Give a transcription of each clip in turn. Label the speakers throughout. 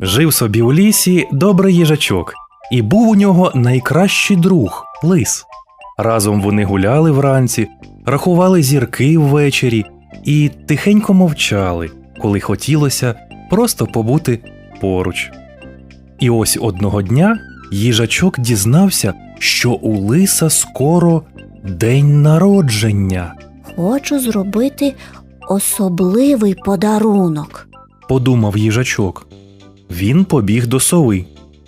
Speaker 1: Жив собі у лісі добрий їжачок, і був у нього найкращий друг – лис. Разом вони гуляли вранці, рахували зірки ввечері і тихенько мовчали, коли хотілося просто побути поруч. І ось одного дня їжачок дізнався, що у лиса скоро день народження.
Speaker 2: Хочу зробити особливий подарунок.
Speaker 1: Подумав їжачок. Він побіг до сови.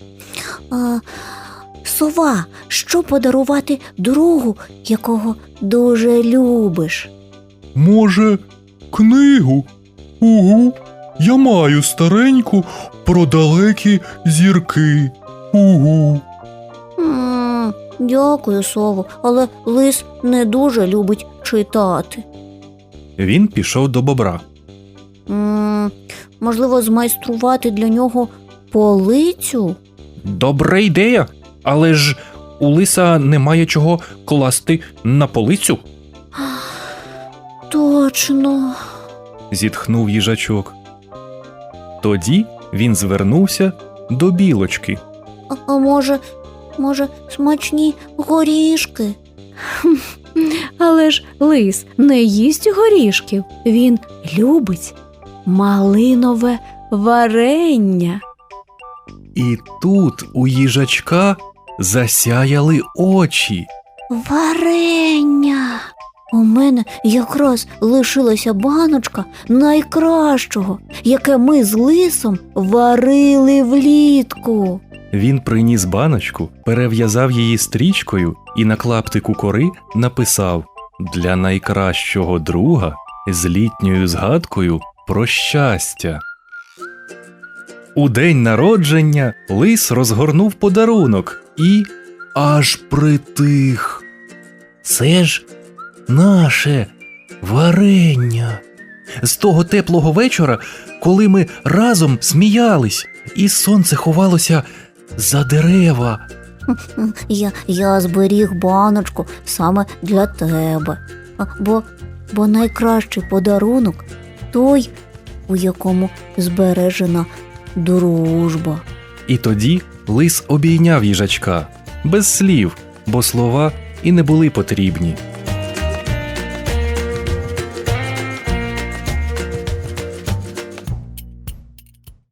Speaker 2: Сова, що подарувати другу, якого дуже любиш?
Speaker 3: Може, книгу? Угу, я маю стареньку про далекі зірки. Угу.
Speaker 2: Дякую, сово, але лис не дуже любить читати.
Speaker 1: Він пішов до бобра.
Speaker 2: Можливо, змайструвати для нього полицю?
Speaker 1: Добра ідея, але ж у лиса немає чого класти на полицю.
Speaker 2: Точно.
Speaker 1: Зітхнув їжачок. Тоді він звернувся до білочки.
Speaker 2: А може, смачні горішки?
Speaker 4: Але ж лис не їсть горішків, він любить малинове варення.
Speaker 1: І тут у їжачка засяяли очі.
Speaker 2: Варення! У мене якраз лишилася баночка найкращого, яке ми з лисом варили влітку.
Speaker 1: Він приніс баночку, перев'язав її стрічкою і на клаптику кори написав «Для найкращого друга з літньою згадкою про щастя». У день народження лис розгорнув подарунок і аж притих. Це ж наше варення. З того теплого вечора, коли ми разом сміялись, і сонце ховалося за дерева.
Speaker 2: Я зберіг баночку саме для тебе. Бо найкращий подарунок той, у якому збережена дружба.
Speaker 1: І тоді лис обійняв їжачка без слів, бо слова і не були потрібні.